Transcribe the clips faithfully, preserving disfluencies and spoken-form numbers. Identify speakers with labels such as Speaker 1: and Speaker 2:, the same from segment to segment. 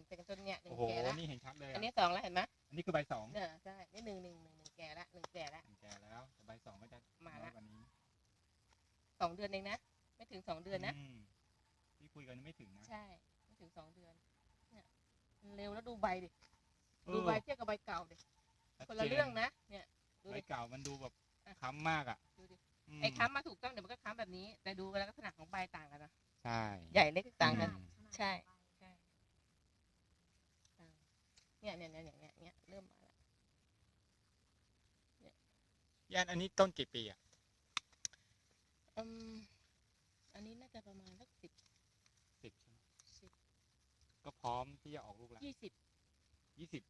Speaker 1: แต่จนเนี่ยหนึ่
Speaker 2: โอ้
Speaker 1: ง
Speaker 2: โห
Speaker 1: แก่แล้ว
Speaker 2: นี่เห็นชัดเลย
Speaker 1: อัน
Speaker 2: อะ
Speaker 1: นี้สองแล้วเห็นไหม
Speaker 2: อันนี้คือใบสอง
Speaker 1: เนี่ยใช่นี่หนึ่งหนึ่งหนึ่งหนึ่งแก่แล้วหนึ่งแก่แล้ว
Speaker 2: แก่แล้วแต่ใบสองก็จะ
Speaker 1: มา
Speaker 2: น้อ
Speaker 1: ละ
Speaker 2: ยกว่านี้
Speaker 1: สองเดือนเองนะไม่ถึงสองเดือนนะ
Speaker 2: มที่คุยกันไม่ถึงนะ
Speaker 1: ใช่ไม่ถึงสองเดือนเนี่ยมันเร็วแล้วดูใบดิ
Speaker 2: เออ
Speaker 1: ดูใบเทียบกับใบเก่าดิ
Speaker 2: ชัด
Speaker 1: คนละ
Speaker 2: จ
Speaker 1: เรื่องนะเนี่ยดู
Speaker 2: ใบ
Speaker 1: ดิ
Speaker 2: เก่ามันดูแบบ
Speaker 1: อ่ะ
Speaker 2: ค้ำมากอ่ะ
Speaker 1: ดูดิ
Speaker 2: ม
Speaker 1: ไอ้ค้ำมาถูกต้องเดี๋ยวมันก็ค้ำแบบนี้ แต่ดูลักษณะของใบต่างกันนะ
Speaker 2: ใช่
Speaker 1: ใหญ่เล็กต่างกัน
Speaker 2: อืม
Speaker 1: ใช่ใช่ต่างเนี่ยเนี่ยเนี่ยเนี่ยเนี่ยเริ่มมาแล้ว
Speaker 2: ย่านอันนี้ต้นกี่ปีอ่ะ
Speaker 1: อืมอันนี้น่าจะประมาณสักสิบ
Speaker 2: สิบใช่ไหม
Speaker 1: สิบ
Speaker 2: ก็พร้อมที่จะออกลูกแล้ว
Speaker 1: ยี่สิบ
Speaker 2: ยี่สิบ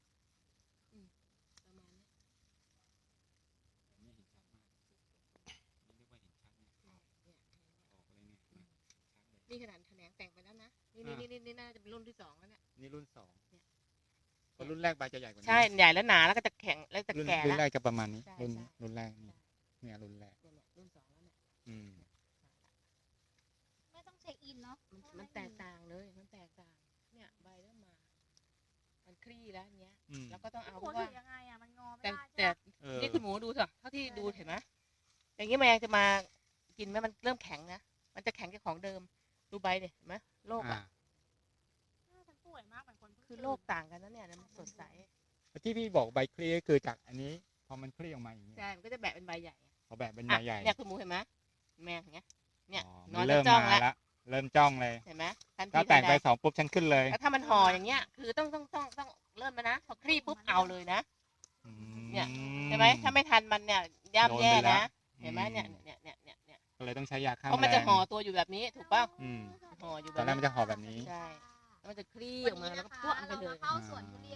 Speaker 1: ประมาณเนี้ย
Speaker 2: นี่เห็นชัดมากนี่เรียกว่าเห็นชัดเนี่ย
Speaker 1: เนี่ย
Speaker 2: ออกเลยเนี่ยเห็นไหมชัดเลย
Speaker 1: นี่ขนาดแถลงแต่งไปแล้วนะนี่
Speaker 2: อ่า
Speaker 1: นี่นี่นี่น่าจะเป็นรุ่นที่สองแล้วเนี่ย
Speaker 2: นี่รุ่นสอง
Speaker 1: เนี่ย
Speaker 2: เพราะรุ่นแรกใบจะใหญ่กว่านี้
Speaker 1: ใช่ใหญ่แล้วหนาแล้วก็จะแข็งแล้วจะ
Speaker 2: รุ่น
Speaker 1: แก่
Speaker 2: รุ่
Speaker 1: แล้
Speaker 2: น
Speaker 1: ว
Speaker 2: แรกจะประมาณนี้
Speaker 1: ใช่
Speaker 2: รุ่น
Speaker 1: ใช่
Speaker 2: รุ่นแรกนี่เนี่ยรุ่นแรก
Speaker 1: เนี่ยเนี่ยรุ่นสองแล้วเนี่ย
Speaker 2: อืม
Speaker 3: ไม่ต้องเช็คอินเนาะ
Speaker 1: มันมันแตกต่างเลยมันแตกต่างเนี่ยใบเริ่มมา มันคลี่แล้วเนี้ย
Speaker 2: อืม
Speaker 1: แล้วก็ต้องเอา
Speaker 3: หั
Speaker 1: เพ
Speaker 3: ว
Speaker 1: ราะ
Speaker 3: ถื
Speaker 1: ว่า
Speaker 3: อยังไงอ่ะมันงอไม่
Speaker 1: แต่
Speaker 3: ได้
Speaker 1: แต่
Speaker 3: ใช่ไหม
Speaker 2: เออ
Speaker 1: นี่คุณหมูดูเถอะเท่าที่ดูเห็นไหมอย่างนี้แมงจะมากินไหมมันเริ่มแข็งนะมันจะแข็งจากของเดิมดูใบเนี่ยเห็นไหมโลก
Speaker 2: อ่า
Speaker 1: อ่ะ
Speaker 3: เออฉันป่วยมากเหมือนคนเพิ่ง
Speaker 1: คือโลกต่างกันนะเนี่ยมันสดใส
Speaker 2: ที่พี่บอกใบคลี่ก็คือจากอันนี้พอมันคลี่ออกมาอย่างนี้
Speaker 1: ใช่มันก็จะแบะเป็นใบใหญ่
Speaker 2: พอแบบเป็นใบ
Speaker 1: อ่ะ
Speaker 2: ใหญ่
Speaker 1: เนี่ยคุณหมูเห็นไหมแมงอย่างเงี้ยเนี่ย
Speaker 2: อ๋อน
Speaker 1: อ
Speaker 2: มัน น
Speaker 1: แล้
Speaker 2: เริ่
Speaker 1: ว
Speaker 2: ม
Speaker 1: จ้อง
Speaker 2: มา
Speaker 1: แล้ว
Speaker 2: แล้วเริ่มจ้องเลย
Speaker 1: เห็นไหมทันที
Speaker 2: ถ้าแต่ง
Speaker 1: ทัน
Speaker 2: ใบ
Speaker 1: ใด
Speaker 2: สองปุ๊บฉันขึ้นเลย
Speaker 1: แล้วถ้ามันห่ออย่างเงี้ยคือต้องต้องต้องต้องเริ่มมานะพอคลี่ปุ๊บเอาเลยนะ
Speaker 2: อื
Speaker 1: เนี่ย ใช่ไหมถ้าไม่ทันมันเนี่ยย่ำแย่
Speaker 2: โดนไปแล้
Speaker 1: นะ
Speaker 2: ว
Speaker 1: เห็นไหมเนี่ย
Speaker 2: อืม
Speaker 1: เนี่ยเนี่ยเนี่ยเนี่ย
Speaker 2: ก็เลยต้องใช้ยาฆ่า
Speaker 1: เพราะ
Speaker 2: แม
Speaker 1: มัน
Speaker 2: ล
Speaker 1: จะ
Speaker 2: ง
Speaker 1: ห่อตัวอยู่แบบนี้ถูกป่ะ
Speaker 2: อืม
Speaker 1: ห่ออยู่แบ
Speaker 2: ตอบ นแรก
Speaker 1: นี้
Speaker 2: มันจะห่อแบบนี้
Speaker 1: ใช่แล้วมันจะคลี่
Speaker 3: วั
Speaker 1: อน อก
Speaker 3: นี้
Speaker 1: มาแล้ว
Speaker 3: นะ
Speaker 1: ก็
Speaker 3: คะ
Speaker 1: พวกมันไป
Speaker 3: เรา
Speaker 1: เลย
Speaker 3: มาเข้าสวนทุเรียน